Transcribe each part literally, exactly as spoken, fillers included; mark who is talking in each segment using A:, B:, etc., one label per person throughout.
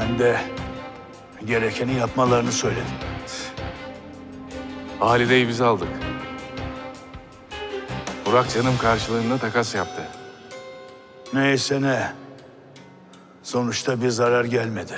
A: Ben de gerekeni yapmalarını söyledim.
B: Halide'yi biz aldık. Burak canım karşılığında takas yaptı.
A: Neyse ne. Sonuçta bir zarar gelmedi.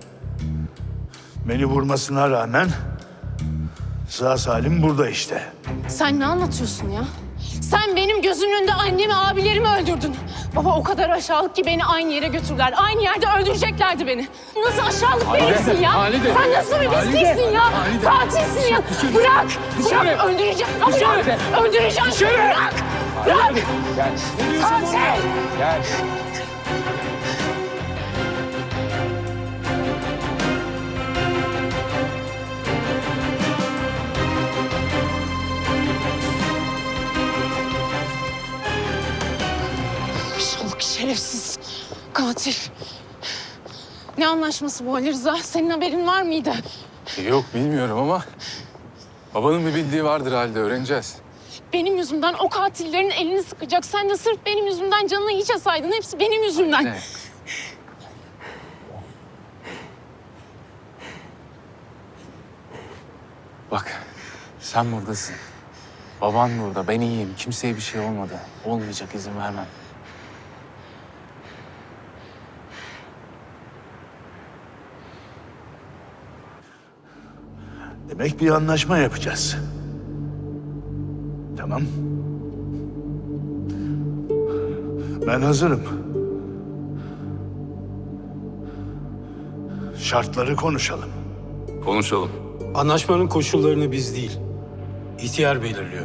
A: Beni vurmasına rağmen sağ salim burada işte.
C: Sen ne anlatıyorsun ya? Sen benim gözümün önünde annemi, abilerimi öldürdün. Baba o kadar aşağılık ki beni aynı yere götürdüler. Aynı yerde öldüreceklerdi beni. Nasıl aşağılık birisin ya?
B: Halide.
C: Sen nasıl bir pisliksin ya?
B: Halide.
C: Katilsin ya. Bırak. Bırak öldüreceğim. Ya bırak. Öldüreceğim. Bırak. Bırak.
B: Gel.
C: Katil.
B: Gel.
C: Aşağılık şerefsiz. Katil. Ne anlaşması bu Ali Rıza? Senin haberin var mıydı?
B: Yok bilmiyorum ama babanın bir bildiği vardır Halide, öğreneceğiz.
C: Benim yüzümden o katillerin elini sıkacak. Sen de sırf benim yüzümden canını hiçe saydın. Hepsi benim yüzümden.
B: Ne? Bak, sen buradasın. Baban burada, ben iyiyim. Kimseye bir şey olmadı. Olmayacak, izin vermem.
A: Demek bir anlaşma yapacağız. Tamam. Ben hazırım. Şartları konuşalım.
B: Konuşalım.
D: Anlaşmanın koşullarını biz değil, ihtiyar belirliyor.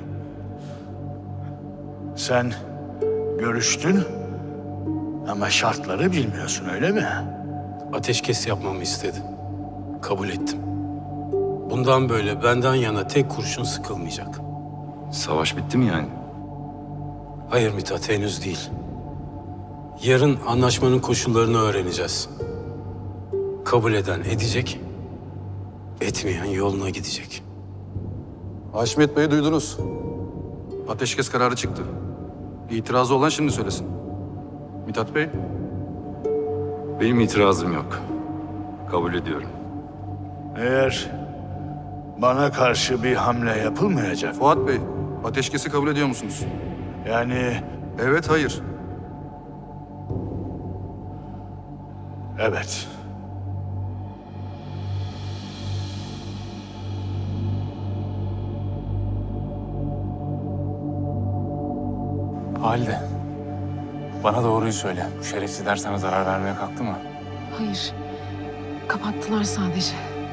A: Sen görüştün ama şartları bilmiyorsun, öyle mi?
D: Ateşkes yapmamı istedi. Kabul ettim. Bundan böyle benden yana tek kurşun sıkılmayacak.
E: Savaş bitti mi yani?
D: Hayır Mithat, henüz değil. Yarın anlaşmanın koşullarını öğreneceğiz. Kabul eden edecek, etmeyen yoluna gidecek.
E: Haşmet Bey'i duydunuz. Ateşkes kararı çıktı. İtirazı olan şimdi söylesin. Mithat Bey? Benim itirazım yok. Kabul ediyorum.
A: Eğer bana karşı bir hamle yapılmayacak,
E: Fuat Bey, ateşkesi kabul ediyor musunuz?
A: yani
E: Evet, hayır.
A: evet.
B: Halide, bana doğruyu söyle. Bu şerefsizler sana zarar vermeye kalktı mı?
C: Hayır. Kapattılar sadece.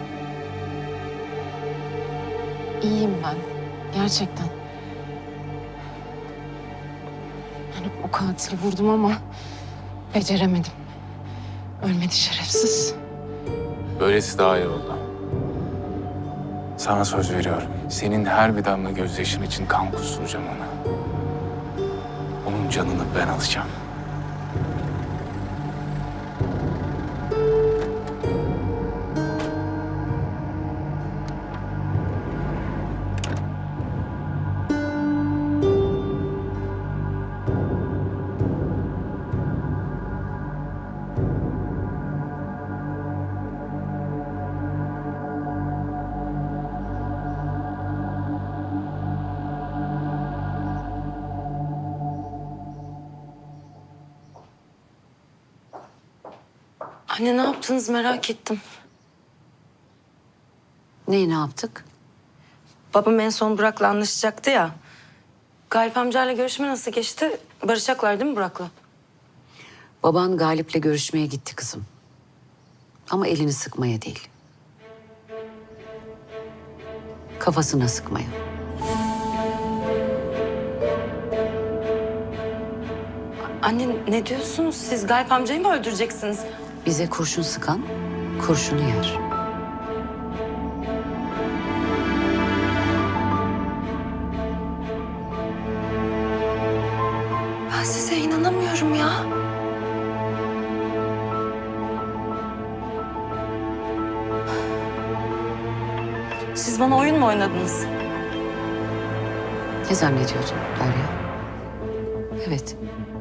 C: İyiyim ben. Gerçekten. Yani o katili vurdum ama beceremedim. Ölmedi şerefsiz.
B: Böylesi daha iyi oldu. Sana söz veriyorum. Senin her bir damla gözyaşın için kan kusturacağım ona. Onun canını ben alacağım.
F: Anne ne yaptınız merak ettim.
G: Neyi ne yaptık?
F: Babam en son Burak'la anlaşacaktı ya. Galip amcayla görüşme nasıl geçti? Barışacaklar değil mi Burak'la?
G: Baban Galip'le görüşmeye gitti kızım. Ama elini sıkmaya değil. Kafasına sıkmaya.
F: Anne ne diyorsunuz? Siz Galip amcayı mı öldüreceksiniz?
G: Bize kurşun sıkan kurşunu yer.
F: Ben size inanamıyorum ya. Siz bana oyun mu oynadınız?
G: Ne zannediyordun Derya? Evet,